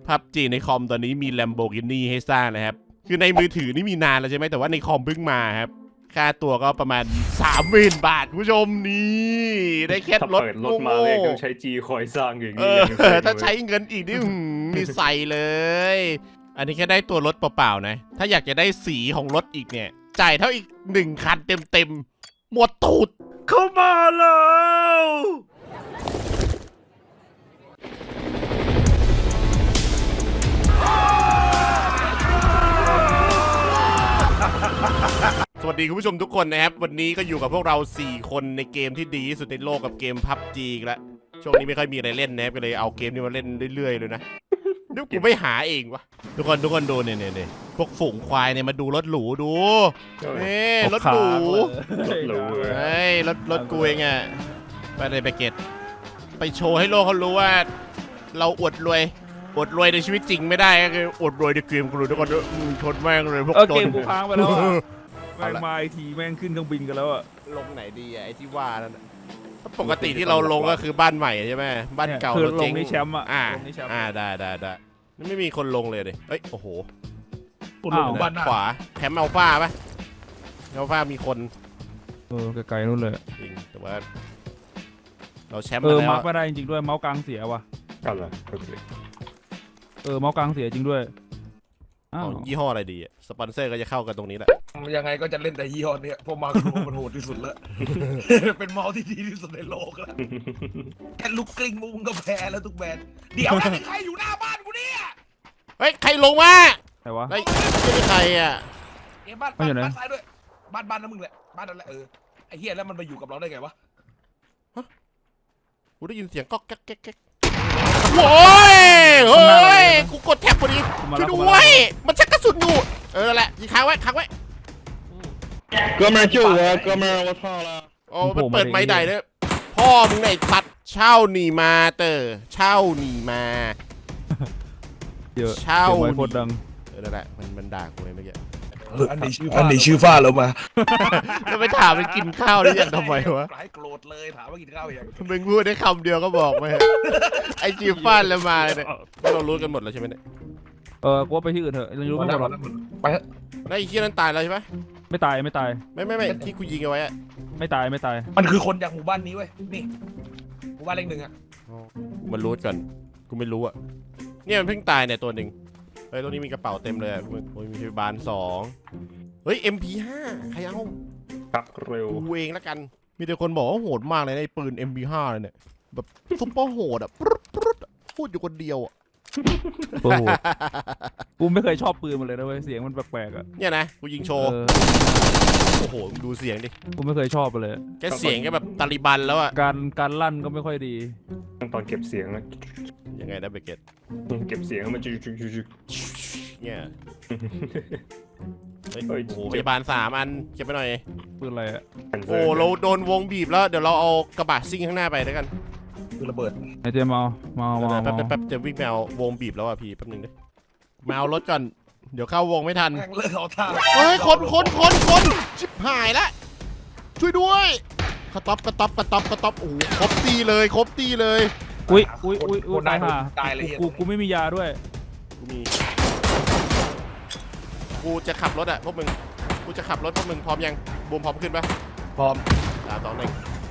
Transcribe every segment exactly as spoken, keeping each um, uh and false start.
พับจีในคอมตอนนี้มี Lamborghini ให้สร้างนะครับคือในมือถือนี่มีนานแล้วใช่ไหมแต่ว่าในคอมเพิ่งมาครับค่าตัวก็ประมาณ สามหมื่น บาทผู้ชมนี่ได้แค่รถเปิดรถมาเลยต้องใช้จีคอยสร้างอย่างเอนี้อถ้าใช้เงินอีกนี่มีใส่เลย อันนี้แค่ได้ตัวรถเปล่าๆนะถ้าอยากจะได้สีของรถอีกเนี่ยจ่ายเท่าอีกหนึ่งคันเต็มๆหมดตูดเข้ามาแล้วสวัสดีคุณผู้ชมทุกคนนะครับวันนี้ก็อยู่กับพวกเราสี่คนในเกมที่ดีที่สุดในโลกกับเกม พับจี อีกแล้วช่วงนี้ไม่ค่อยมีอะไรเล่นนะครับก็เลยเอาเกมนี้มาเล่นเรื่อยๆเลยนะนึกกูไม่หาเองวะทุกคนทุกคนดูเนี่ยเนี่ยพวกฝูงควายเนี่ยมาดูรถหรูดูนี่รถหรูรถหรูเฮ้ยรถรถกูเองอะไปเลยไปเก็ตไปโชว์ให้โลกเขารู้ว่าเราอวดรวยอวดรวยในชีวิตจริงไม่ได้ก็คืออวดรวยในเกมกูรู้ทุกคนชนแม่งเลยพวกเออจเกนมกูค้างไปแล้วอะแม่งมาอีกทีแม่งขึ้นเครื่องบินกันแล้วอะลงไหนดีอะไอ้ที่ว่านั่นน่ะปกติที่เราลงก็คือบ้านใหม่ใช่ไหมบ้านเก่าคือเราลเจ๊งงในแชมป์อะอ่าลงในแชมป์อ่าได้ได้ได้นี่ไม่มีคนลงเลยดิเอ้ยโอ้โหอ้าวบ้านขวาแคมป์อัลฟาปะอัลฟามีคนเออไกลๆนู่นเลยจริงแต่ว่าเราแชมป์เอมาอแล้วมาร์กไม่ได้จริงๆด้วยเมาส์กลางเสียว่ะกันเหรอโอเคเออเมาส์กลางเสียจริงด้วยอ้าขวองยี่ห้ออะไรดีอะสปอนเซอร์ก็จะเข้ากันตรงนี้แหละยังไงก็จะเล่นแต่ยี่ห้อเนี้ยเพราะมาโครมันโหดที่สุดแล้ว เป็นเมาส์ที่ดีที่สุดในโลกแล้วแค่ลุกกลิ้งมุงก็แพ้แล้วทุกแบรนด์เดี๋ยวนะมีใครอยู่หน้าบ้านกูเนี่ยเฮ้ยใครลงมาไหนวะเฮ้ยไม่ใช่ใครอะเอ้บ้านมันอยู่ไหนบ้านซ้ายด้วยบ้านบ้านนั่นมึงแหละบ้านนั่นแหละเออไอ้เฮียแล้วมันมาอยู่กับเราได้ไงวะกูได้ยินเสียงก๊อกแก๊กแก๊กแก๊กโว้ยเฮ้ยกูกดแท็บพอดีช่วยด้วยมันชักกระสุนอยู่เออนั่นแหละยิงค้างไว้ค้างไว้哥们儿救我！哥们儿，我操了！ โอ้มันเปิดไม้ใดเนี่ยพ่อมึงไหนตัดเช่าหนีมาเตอร์เช่าหนีมาเยอะเช่าเสียงไว้โคตรดังเออนั่นแหละมันมันด่ากูเลยเมื่อกี้อันนี้ชื่ออันนี้ชื่อฟ้าแล้วมาแล้วไปถามมันกินข้าวได้ยังทำไมวะหลายโกรธเลยถามว่ากินข้าวยังมึงพูดได้คำเดียวก็บอกไปไอจีฟ้านแล้วมาเนี่ยเรารู้กันหมดแล้วใช่ไหมเนี่ยเออกูว่าไปที่อื่นเถอะยังรู้ไม่หมดหรอกไปเถอะแล้วไอ้เคียนั้นตายแล้วใช่ไหมไม่ตายไม่ตายไม่ไม่ไม่ที่กูยิงเอาไว้อะไม่ตายไม่ตายมันคือคนจากหมู่บ้านนี้เว้ยนี่หมู่บ้านเลขหนึ่งอะกูมันรู้ก่อนกูไม่รู้อะเนี่ยมันเพิ่งตายเนี่ยตัวหนึ่งเฮ้ยตรงนี้มีกระเป๋าเต็มเลยอะโอ้ยมีพยาบาลสองเฮ้ย เอ็ม พี ห้า ใครเอาชักเร็วกูเองแล้วกัน มีแต่คนบอกว่าโหดมากเลยในะไอ้ปืน เอ็ม พี ห้า เลยเนี่ย แบบซุปเปอร์โหดอ่ะปรึ๊ดปรึ๊ดอะพูดอยู่คนเดียวอ่ะโอ้โหกูไม่เคยชอบปืนมันเลยนะเว้ยเสียงมันแปลกๆอะเนี่ยนะ กูยิงโชว์เออโอ้โหมึงดูเสียงดิกูไม่เคยชอบมันเลยแกเสียงแกแบบตาลิบันแล้วอ่ะการการลั่นก็ไม่ค่อยดีตอนเก็บเสียงนะยังไงนะเบเกตเก็บเสียงมันจะจุกจุกเนี่ยเฮ้ยเฮ้ยโอ้โหพยาบาลสามอันเก็บไปหน่อยปืนอะไรอะโอ้เราโดนวงบีบแล้ว เดี๋ยวเราเอากระบะซิ่งข้างหน้าไปแล้วกันคือระเบิดไอเจมเอามาเอามาเอาแป๊บมาแป๊บแป๊บจะวิ่งไปเอาวงบีบแล้วอ่ะพี่แป๊บนึงดิมาเอารถก่อน เดี๋ยวเข้าวงไม่ทันแม่งเลิกเอาท่าเฮ้ยคนคนคนคนชิบหายละช่วยด้วยกระต๊อบกระต๊อบกระต๊อบกระต๊อบโอ้โหครบตีเลยครบตีเลยอุ้ยอุ้ยอุ้ยอุ้ยคนได้ตายห่าตายเลยกูกูไม่มียาด้วยกูมีกูจะขับรถอ่ะพวกมึงกูจะขับรถพวกมึงพร้อมยังบูมพร้อมขึ้นปะพร้อมสามสองหนึ่ง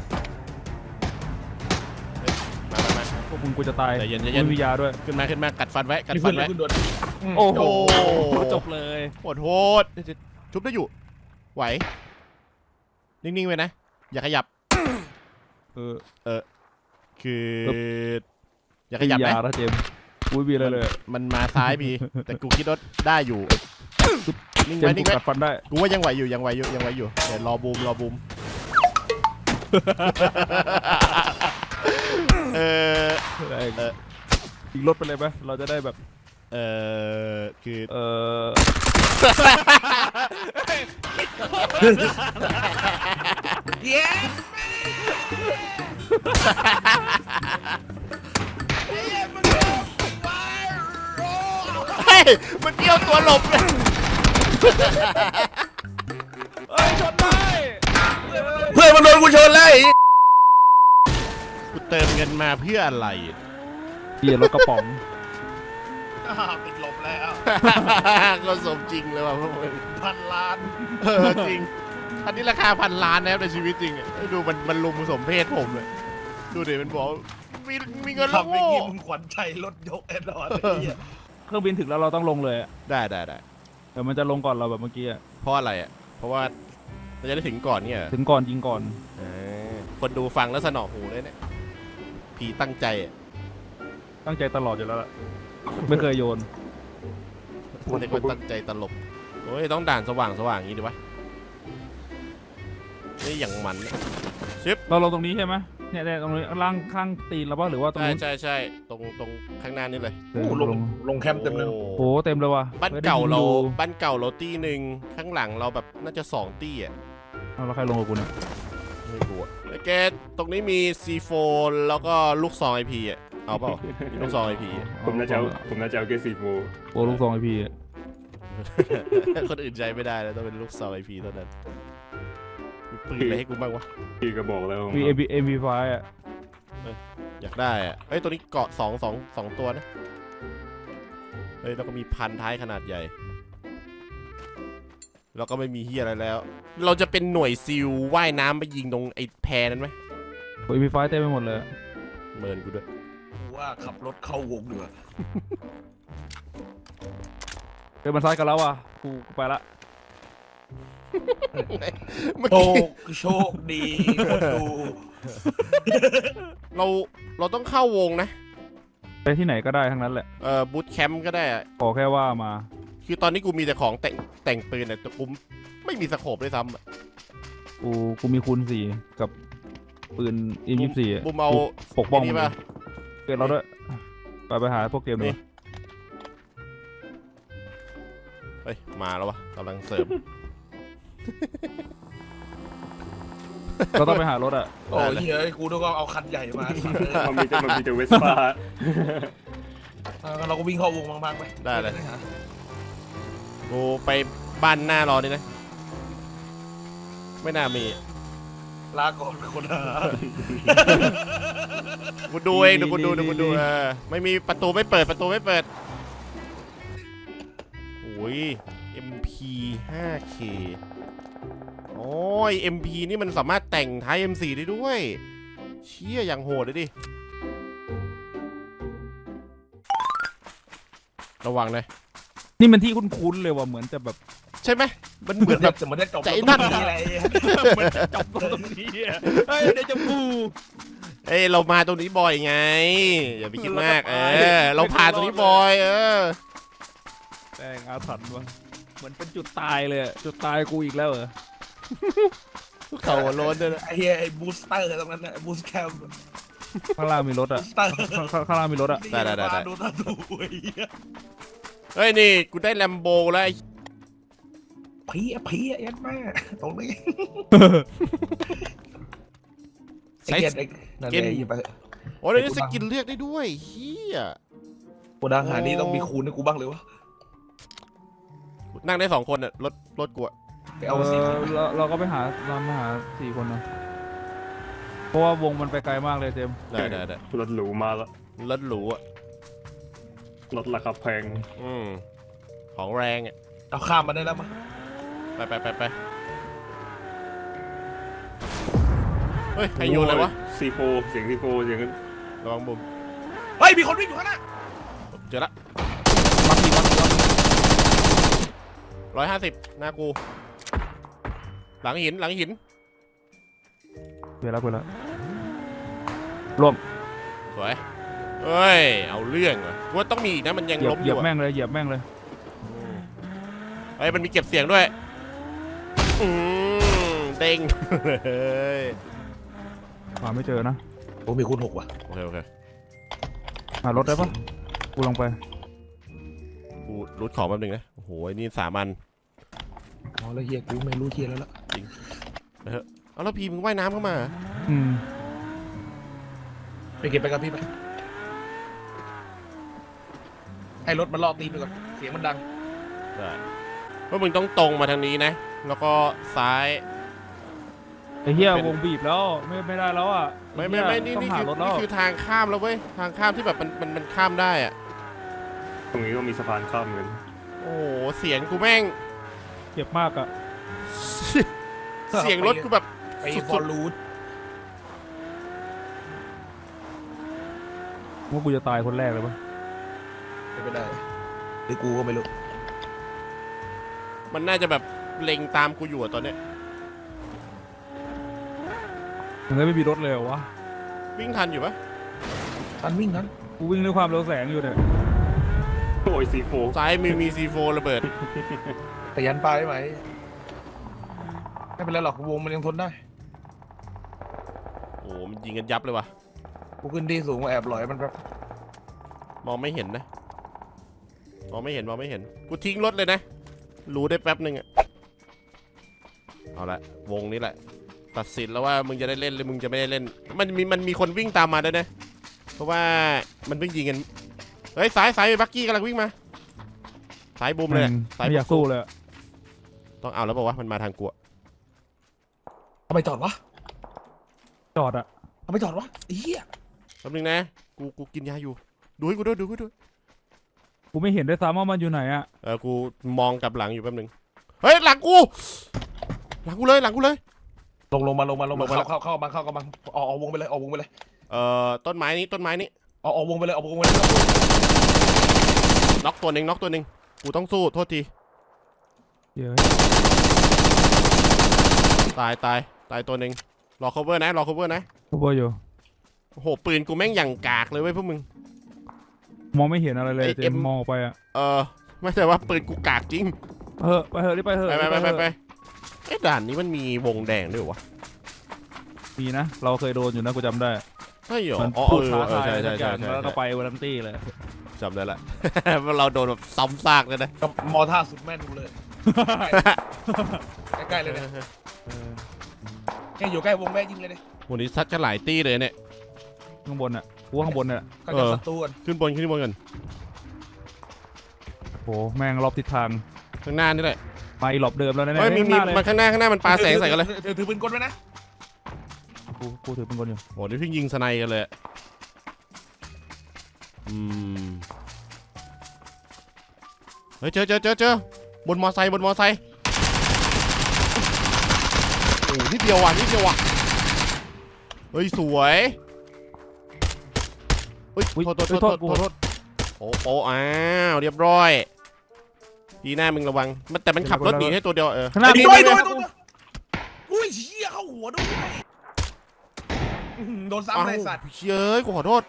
เฮ้ยมามามาพวกมึงกูจะตายใจเย็นใจกูเย็นไม่มียาด้วยขึ้นมาขึ้นมากัดฟันไว้กัดมีฟัเพื่อน นเลยไว้ขึ้นด่วนโอ้โหโอ้จบเลยโหดโหดชุบได้อยู่ไหวนิ่งๆไว้นะอย่าขยับเออเออคือเออย่าขยับไม่มีนะยาแล้วเจมส์กูไม่มีอะไรเลยมันมาซ้ายพี่ แต่กูคิดว่าได้อยู่นิ่งเจไว้มส์กูนิ่งไว้กัดฟันได้กูว่ายังไหวอยู่ยังไหวอยู่ยังไหวอยู่เดี๋ยวรอบูมรอบูม เออเออเออยิงรถไปเลยไหมเราจะได้แบบเออคือเออเย้เฮ้ยมันเดี่ยวตัวหลบเลยเอ้ยชนได้เพื่อนมันโดนกูชนแล้วไอ้กูเติมเงินมาเพื่ออะไรเปลี่ยนรถกระป๋องอ่าติดลบแล้วก็สมจริงเลยว่ะพวกมึงพันล้านเออจริงอันนี้ราคาพันล้านนะครับในชีวิตจริงอ่ะดูมันมันลุมสมเพศผมเลยดูดิมันบอกมีมีเงินแล้วทำไปโง่กินมึงขวัญใจรถยกแอนดรอยไอ้เหี้ยเครื่องบินถึงแล้วเราต้องลงเลยอะได้ได้ได้เดี๋ยวมันจะลงก่อนเราแบบเมื่อกี้อะเพราะอะไรอ่ะเพราะว่าเราจะได้ถึงก่อนเนี่ยเหรอถึงก่อนยิงก่อนเออคนดูฟังแล้วสนอหูเลยเนี่ยผีตั้งใจอ่ะตั้งใจตลอดอยู่แล้วล่ะไม่เคยโยนคนในคนตั้งใจตลกโอ้ยต้องด่านสว่างสว่างอย่างนี้ดีวะนี่อย่างมันเนี่ยเราลงตรงนี้ใช่ไหมเนี่ยเนี่ยตรงนี้ล่างข้างตีนเราป่ะหรือว่าตรงใช่นู้นใช่ใช่ตรงตรงข้างหน้านี่เลยเออโอ้ลงลงลงแคมป์เต็มเลยโอ้โอ้เต็มเลยว่ะบ้านไม่ได้เก่ายิงเราดูบ้านเก่าเราตีหนึ่งข้างหลังเราแบบน่าจะสองตีอ่ะเอาแล้วใครลงกับกูเนี่ยไม่รู้อะแล้วแกตรงนี้มี ซี โฟร์ แล้วก็ลูกซอง ไอ พี อ่ะเอาเปล่ามีลูกซอง ไอ พีผมน่าจะเอาผมน่าจะเอาแค่ซีโฟโอ้ลูกซองไอพีคนอื่นใจไม่ได้แล้วต้องเป็นลูกซอง ไอ พี เท่านั้นมีปืนอะไรให้กูบ้างวะพี่ก็บอกแล้วมีเอ็มพีเอ็มพีไฟอ่ะอยากได้อะเอ้ยตัวนี้เกาะสองสองสองตัวนะเฮ้ยแล้วก็มีพันท้ายขนาดใหญ่แล้วก็ไม่มีเฮียอะไรแล้ว เราจะเป็นหน่วยซิลว่ายน้ำไปยิงตรงไอ้แพนั้นไหมโอ้เอ็มพีไฟเต็มไปหมดเลยเมินกูด้วยกูว่าขับรถเข้าวงดีกว่าเดินมาซ้ายกันแล้วว่ะกูกูไปละเมื่อโชกี้คโชคดีคนดูเราเราต้องเข้าวงนะไปที่ไหนก็ได้ทั้งนั้นแหละเอ่อบูทแคมป์ก็ได้อะขอแค่ว่ามาคือตอนนี้กูมีแต่ของแต่งแต่งปืนอะแต่กูไม่มีสโคปด้วยซ้ำอะกูกูมีคูณสี่กับปืนอิมยี่สี่บูมเอาปกป้องไนี่ป่ะเกิดเราด้วยไปไปหาพวกเกมนี่ดูเฮ้ยมาแล้ววะกำลังเสริมเราต้องไปหารถอ่ะโอ้ยเฮ้ยกูต้องเอาคันใหญ่มาสัตว์เลยมันมีแต่มันมีแต่เวสป้าเออเราก็วิ่งเข้าวงบางๆไปได้เลย กูไปบ้านหน้ารอนี่นะ ไม่น่ามีลาก่อนคนหากูดูเองเดี๋ยวกูดูเดี๋ยวกูดูเออไม่มีประตูไม่เปิดประตูไม่เปิดโอ้ย เอ็ม พี ไฟว์ เค โอ้ย เอ็ม พี นี่มันสามารถแต่งท้าย เอ็ม โฟร์ ได้ด้วย เชี่ยอย่างโหดเลยดิ ระวังนะนี่มันที่คุ้นๆเลยว่ะเหมือนจะแบบใช่ไหมมันเหมือนแบบจะเหมือนได้จบใจนั่นตรงอะไรเหมือนจะจบตรงนี้อะเฮ้ยเดี๋ยวจะบูเอ้ยเรามาตรงนี้บ่อยไง อย่าไปคิดมาก เอเราจะตายอ เราผ่านตรงนี้บ่อย เออแต่งอาถรรพ์ว่ะเหมือนเป็นจุดตายเลยอะจุดตายกูอีกแล้วเหรอเขาหัวโล้นด้วยนะไอ้เหี้ยไอ้บูสเตอร์ตรงนั้นนะบูสแคมข้างล่างมีรถบูอ่ะสเตอร์ข้างข้างข้างล่างมีรถอ่ะได้ได้ได้ได้ดูตาดูไอ้เหี้ยเฮ้ยนี่กูได้แลมโบแล้วไอ้ผีอะผีอะยัดแม่ตรงนี้ใช้ไอ้เกตไอ้นั่นเกไงตหยิบไปโอ้ยเดี๋ยวนี้สกินเลือกได้ด้วยเฮียกูดังหานี่ต้องมีคูณให้กูบ้างเลยวะนั่งได้สองคนอ่ะรถรถกูอะไปเอาสิเออเราเราก็ไปหาเรามาหาสี่คนนะเพราะว่าวงมันไปไกลมากเลยเจมส์ได้ได้ได้รถหรูมาแล้วรถหรูอ่ะรถราคาแพงอืมของแรงอ่ะเอาข้ามมาได้แล้วมั้งไปไปไปไปเฮ้ยใครโยนอะไรวะซีโฟเสียงซีโฟเสียงระวังบุมเฮ้ยมีคนวิ่งอยู่ข้างหน้าเจอละมักมีมักมีมักร้อยห้าสิบหน้ากู หลังหินหลังหินเวลาเวลาร่วมสวยเฮ้ยเอาเรื่องว่ะกูว่าต้องมีอีกนะมันยังเหยียล้บมอเหยียยู่บอะแม่งเลยเหยียบแม่งเลยเฮ้ยมันมีเก็บเสียงด้วยอืมเด้ง เฮ้ยหาไม่เจอนะโอ้มีคูณหกว่ะโอเคโอเคหารถได้ปะกูลงไปกูรูดของแป๊บนึงนะโอ้โหไอ้นี่สามันอ๋อแล้วเฮียกูไม่รู้เฮียแล้วล่ะเอาแล้วพีมึงว่ายน้ำเข้ามาอืมไปเก็บไปกับพี่ไปให้รถมันล่อตีนไปก่อนเสียงมันดังได้เพราะมึงต้องตรงมาทางนี้นะ แล้วก็ซ้ายไอ้เหี้ยเป็นวงบีบแล้วไม่ไม่ได้แล้วอ่ะไม่ไม่ไม่อ้นี่เหี้ยนี่ต้องคือหารถแล้วนี่คือทางข้ามแล้วเว้ยทางข้ามที่แบบมันมันมันข้ามได้อะตรงนี้ก็มีสะพานข้ามเหมือนกันโอ้โหเสียงกูแม่งเจ็บมากอะเสียงรถกูแบบไปสุฟอดร์รูทว่ากูจะตายคนแรกเลยปะไม่เป็นไรหรือกูก็ไม่รู้ๆมันน่าจะแบบเล็งตามกูอยู่อะตอนเนี้ยถึงได้ไม่มีรถเลยเหรอวะวิ่งทันอยู่ปะทันวิ่งนั้นกูวิ่งด้วยความเร็วแสงอยู่เนี่ยโอ้ยซีโฟซ้ายมือมีซีโฟระเบิดแต่ยันปลายได้ไหมไม่เป็นไรหรอกวงมันยังทนได้โอ้โหมันยิงกันยับเลยว่ะกูขึ้นที่สูงมาแอบหลอยมันแบบมองไม่เห็นนะมองไม่เห็นมองไม่เห็นกูทิ้งรถเลยนะรู้ได้แป๊บนึงอะเอาละวงนี้แหละตัดสินแล้วว่ามึงจะได้เล่นหรือมึงจะไม่ได้เล่นมันมีมันมีคนวิ่งตามมาด้วยนะเพราะว่ามันเพิ่งยิงกันเฮ้ยสายสายบักกี้กำลังวิ่งมาสายบูมเลยอะสายไม่อยากสู้เลยอะต้องเอาแล้วบอกว่ามันมาทางกูอะทำไมจอดวะจอดอะทำไมจอดวะไอ้เหี้ยแป๊บนึงนะกูกูกินยาอยู่ดูให้กูด้วยดูให้กูด้วยกูไม่เห็นด้วยซ้ำว่ามันอยู่ไหนอะเออกูมองกลับหลังอยู่แป๊บนึงเฮ้ยหลังกูหลังกูเลยหลังกูเลยลงลงมาลงมาลงมาลงมาแล้วเข้าเข้าเข้ามาเข้าเข้ามาออกออกวงไปเลยออกวงไปเลยเอ่อต้นไม้นี้ต้นไม้นี้ออกออกวงไปเลยออกวงไปเลยน็อกตัวหนึ่งน็อกตัวหนึ่งกูต้องสู้โทษทีเดี๋ยวตายตายตายตัวหนึ่งรอ cover นะรอ cover นะกูบอยอยู่โอ้โหปืนกูแม่งอย่างกากเลยเว้ยพวกมึงมองไม่เห็นอะไรเลยไอ้เจเอ็มมมองออกไปอะเออไม่ใช่ว่าปืนกูกากจริงเออไปเถอะรีบไปเถอะไปไปไปรีบไปเถอะไปไอ้ด่านนี้มันมีวงแดงด้วยเหรอวะมีนะ เราเคยโดนอยู่นะกูจำได้ใช่เหรอมันอ๋อพูดเอท้าอเออทายใช่อะไรใช่สักอใช่ย่างใช่แล้วก็ไปวันนั้นตี้เลยจำได้ละ เราโดนแบบซ้ำซากเลยนะกับมอท่าสุดแม่นกูเลยใกล้ๆเลยเนี่ยแค่อยู่ใกล้วงแม่ยิงเลยเนี่ยวันนี้ซัดกันหลายตี้เลยเนี่ยข้างบนอะกูว่าข้างบนเนี่ยก็จะศัตรูกันขึ้นบนขึ้นบนกันโหแม่งรอบทิศทางข้างหน้านี่แหละมาอีหลอบเดิมแล้วนะเฮ้ยมีเนี่ยมีข้างหน้าเลยมันข้างหน้าข้างหน้ามันปาแสงใส่กันเลยถือถือปืนกลไว้นะกูกูถือเป็นคนอยู่โหนี่เพิ่งยิงสไนกันเลยอะอืมเฮ้ยเจอเจอเจอเจอบนมอไซค์บนมอไซค์โอ้นิดเดียวว่ะนิดเดียวว่ะเฮ้ยสวยเฮ้ยอุ๊ยโทษโทษอุ๊ยโทโทษษกูโทษขอโทโทษษโอ้โอ้อ้าวเรียบร้อยดีหน้ามึงระวังมันแต่มันขับรถหนีให้ตัวเดียวเออข้างหน้ามีโดมียโดมียโดยอุ้ยเชี่ยเข้าหัวด้วยอื้อหือโดนอ้าวซ้ำเลยสัตว์เย้ยกูขอโทษ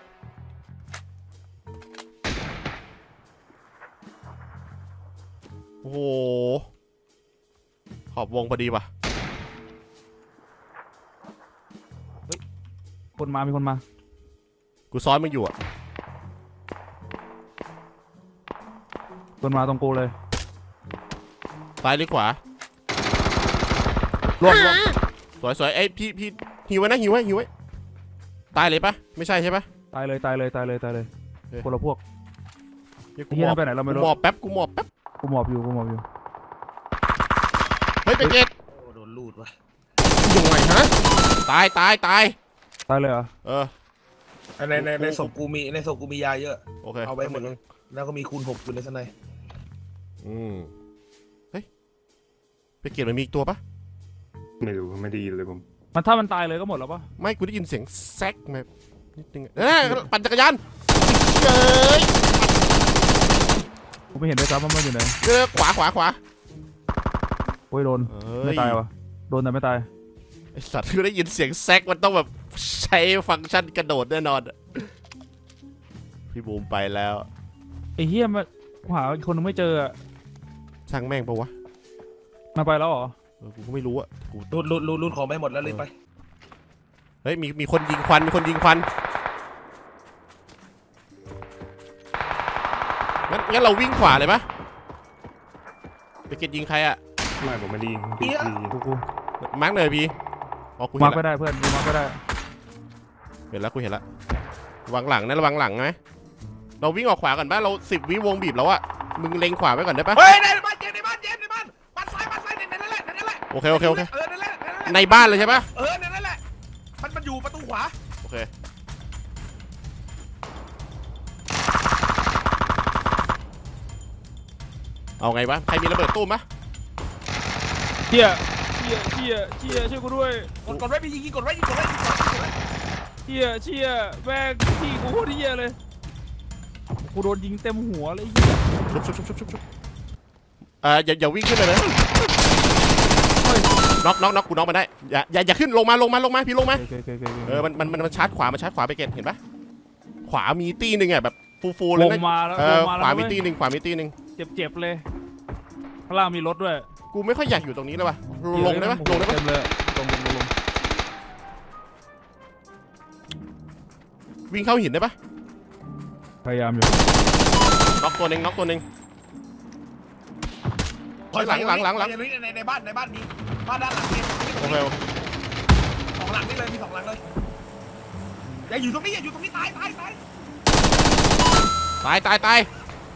โอ้โหขอบวงพอดีว่ะคนมามีคนมากูซ้อนมึงอยู่อะคนมาตรงกูเลยซ้ายหรือขวาล่วงล่วงสวยสวยไอ้ยพี่พี่หิวไว้นะหิวไว้หิวไว้ตายเลยปะไม่ใช่ใช่ปะตายเลยตายเลยตายเลยตายเลยเฮ้ยคนละพวกเฮ้ยไอ้กูเหี้หยมนั่อบนไปไหนเราไม่กูรู้หมอบแป๊บกูหมอบแป๊บกูหมอบอยู่กูหมอบอยู่เฮ้ยไปเกตโอ้โดนลูดว่ะอยู่ไหนฮะตายตายตายตายเลยเหรอเออในในในศพกูมีในศพกูมียาเยอะโอเคเอาไปหมดเลยแล้วก็มีคูณหกอยู่ในสไนอืมเฮ้ยไปเกตมันมีอีกตัวปะไม่รู้ไม่ได้ยินเลยผมมันถ้ามันตายเลยก็หมดแล้วปะไม่กูได้ยินเสียงแซกแบบนิดนึงอะเอ้ยปั่นจักรยานเย้ยกูไม่เห็นด้วยซ้ำว่ามันอยู่ไหนเจอขวาขวาขวาโอ้ยโดนเอ้ไม่ตายวะโดนแต่ไม่ตายไอสัตว์คือได้ยินเสียงแซกมันต้องแบบใช้ฟังก์ชันกระโดดแน่นอนอะพี่บูมไปแล้วไอ้เฮียมันหาอีกคนนึงไม่เจออะช่างแม่งปะวะมาไปแล้วเหรอเออกูก็ไม่รู้อะกูลูดลูดลูดลูดของไปหมดแล้วเลยไปเฮ้ยมีมีคนยิงควันมีคนยิงควันงั้นงั้นเราวิ่งขวาเลยปะไปเก็ตยิงใครอะไม่ผมไม่ได้ยินพี่พี่กูกูมาร์กเลยพี่อ๋อกูมาเห็นร์กไม่แล้วได้เพื่อนกูมาร์กไม่ได้เห็นแล้วกูเห็นแล้วระวังหลังนะระวังหลังไหมเราวิ่งออกขวาก่อนปะเราสิบวิวงบีบแล้วอะมึงเล็งขวาไว้ก่อนได้ปะเฮ้ยในบ้านเจมในบ้านเจมในบ้านบ้านซ้ายบ้านซ้ายในนั่นแหละในนั่นแหละโอเคโอเคโอเคเออนั่นแหละนั่นแหละในบ้านเลยใช่ปะเออในนั่นแหละมันมันอยู่ประตูขวาโอเคเอาไงวะใครมีระเบิดตู้มปะเชี่ยเชี่ยเชี่ยเชี่ยช่วยกูด้วยกดกดไว้พี่ยิงกดไว้ยิงกดไว้ยิงกดไว้เชี่ยเชี่ยแม่งที่กูโคตรเชี่ยเลยกูโดนยิงเต็มหัวเลยเหี้ยชุบชุบชุบชุบชุบชุบเอ่ออย่าอย่าวิ่งขึ้นเลยนะน็อกน็อกน็อกกูน็อกมาได้อย่าอย่าอย่าขึ้นลงมาลงมาลงมาพี่ลงมาโอเคโอเคโอเคเออมันมันมันชาร์จขวามันชาร์จขวาไปเกตเห็นปะขวามีตีหนึ่งอ่ะแบบฟูฟูเลลยงนะมาแล้วเอลองมาขแล้ววามีเว้ยตีหนึ่งขวามีตีหนึ่งเจ็บๆเลยข้างล่างมีรถด้วยกูไม่ค่อยอยากอยู่ตรงนี้เลยว่ะลงได้ปะลงได้ปะเต็มเลยลงลงลงลงวิ่งเข้าหินได้ปะพยายามอยู่น็อกตัวหนึ่งน็อกตัวหนึ่งถอยหลังหลังหลังหลังในในในบ้านในบ้านมีบ้านด้านหลังนี่โอเคโอเคสองหลังนี่เลยมีสองหลังเลยอย่าอยู่ตรงนี้อย่าอยู่ตรงนี้ตายตายตายตายตายตาย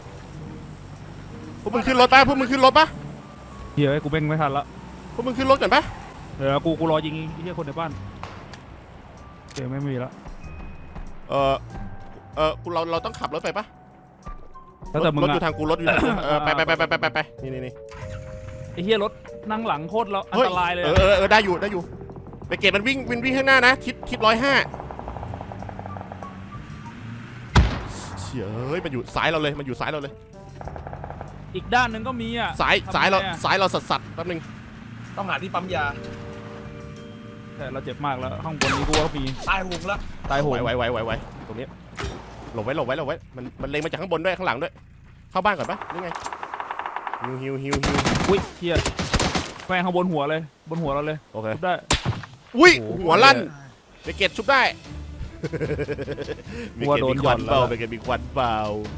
พวกมึงขึ้นรถปะพวกมึงขึ้นรถปะเฮียไอ้กูเบ่งไม่ทันละพวกมึงขึ้นรถกันปะเดี๋ยวกูกูรอยิงไอ้เฮียคนในบ้านเดี๋ยวไม่มีละเออเออกูเราเราต้องขับรถไปปะแล้วแต่มึงรถอยู่อะทางกูรถอยู่ทางกูเออไปไปไปไปไปไปไปนี่นี่นี่ไอ้เฮียรถนั่งหลังโคตรเราอันเฮ้ยตรายเลยเออะอเออเออได้อยู่ได้อยู่ไปเกตมันวิ่งวิ่งวิ่งข้างหน้านะทิศทิศร้อยห้าเฉยเฮ้ยมันอยู่ซ้ายเราเลยมันอยู่ซ้ายเราเลยอีกด้านหนึงก็มีอ่ะซ้ายทำไงซ้ายเราอะซ้ายเราสัสสัสแป๊บนึงต้องหาที่ปั๊มยาแต่เราเจ็บมากแล้วข้างบนนี้กูว่ามีตายหงแล้วตายโหไหวงไหวไหวไหวไหวตรงนี้หลบไว้หลบไว้หลบไว้มันมันเล็งมาจากข้างบนด้วยข้างหลังด้วยเข้าบ้านก่อนปะนี่ไงฮิวฮิวฮิวฮิวอุ้ยเฮียแม่งข้างบนหัวเลยบนหัวเราเลยโอเคทุบได้อุ้ยโอ้โหหัวลั่นไปเกตชุบได้หัวโดนหย่อนเบาแล้วไปเกตมีควันเบา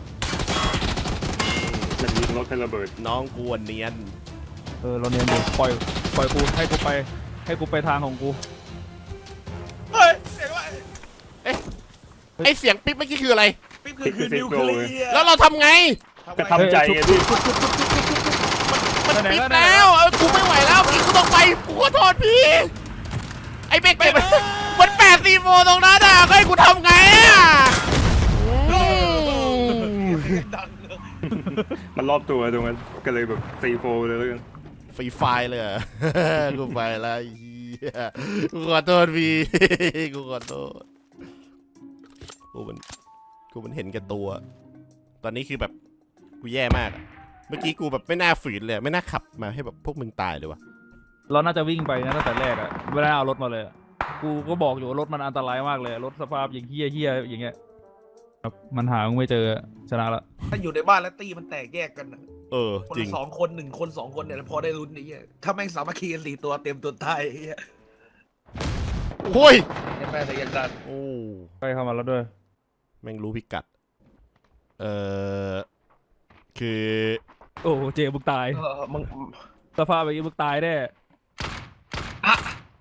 มันยิงรถให้ระเบิดน้องกวนเนียนเออเราเนียนอยู่ปล่อยปล่อยกูให้กูไปให้กูไปทางของกูเฮ้ยเสียงว่าไอเสียงปิ๊บเมื่อกี้คืออะไรปิ๊บคือคือนิวเคลียร์แล้วเราทำไงก็ทำใจไงพี่มันปิ๊บแล้วเออกูไม่ไหวแล้วพี่กูต้องไปกูขอโทษพี่ไอเบเกตมันมันแปดซีโฟตรงนั้นอ่ะก็ให้กูทำไงอ่ะอืมดังเลยมันรอบตัวตรงนั้นก็เลยแบบซีโฟเลยแล้วกันฟรีไฟล์เลยเหรอ กูไปแล้วไอ้เหี้ยกูขอโทษพี่ กูขอโทษกูมันกูมันเห็นแก่ตัว ตอนนี้คือแบบกูแย่มากอะเมื่อกี้กูแบบไม่น่าฝืนเลยไม่น่าขับมาให้แบบพวกมึงตายเลยวะเราน่าจะวิ่งไปนะตั้งแต่แรกอะไม่ได้เอารถมาเลยอะกูก็บอกอยู่ว่ารถมันอันตรายมากเลยรถสภาพอย่างเฮี้ยเฮี้ยอย่างเงี้ยครับมันหาไม่เจอชนะละถ้าอยู่ในบ้านแล้วตีมันแตกแยกกันน่ะเออคนจริละงสองคนหนึ่งคนสองคนเนี่ยพอได้ลุ้นไอ้เหี้ยถ้าแม่งสามัคคีกันสี่ตัวเต็มตัวตายไอ้เหี้ยโอ้ยแม่แต่ยังดันโอ้ใกล้เข้ามาแล้วด้วยแม่งรู้พิกัดเออคือโอ้เจมึงตายเออมึงสภาพแบบนี้มึงตายแน่อ่ะ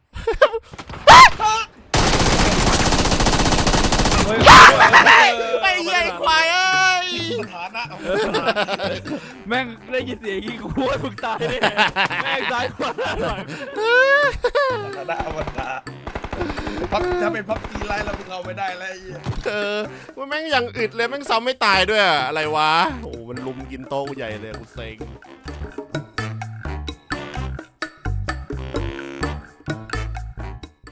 เฮ้ยไอ้เหี้ยไอ้ควายเอ้ยสถานะแม่งได้ยินเสียงอย่างงี้กูว่ามึงตายแน่แม่งตายกว่าหน่อยสถานะอวตารพับถ้าเป็นพับจีไลน์เรามึงเอาไม่ได้แล้วไอ้เหี้ยเออว่าแม่งอย่างอึดเลยแม่งซ้ำไม่ตายด้วยอะอะไรวะโอ้มันลุมกินโต๊ะกูใหญ่เลยกูเซ็ง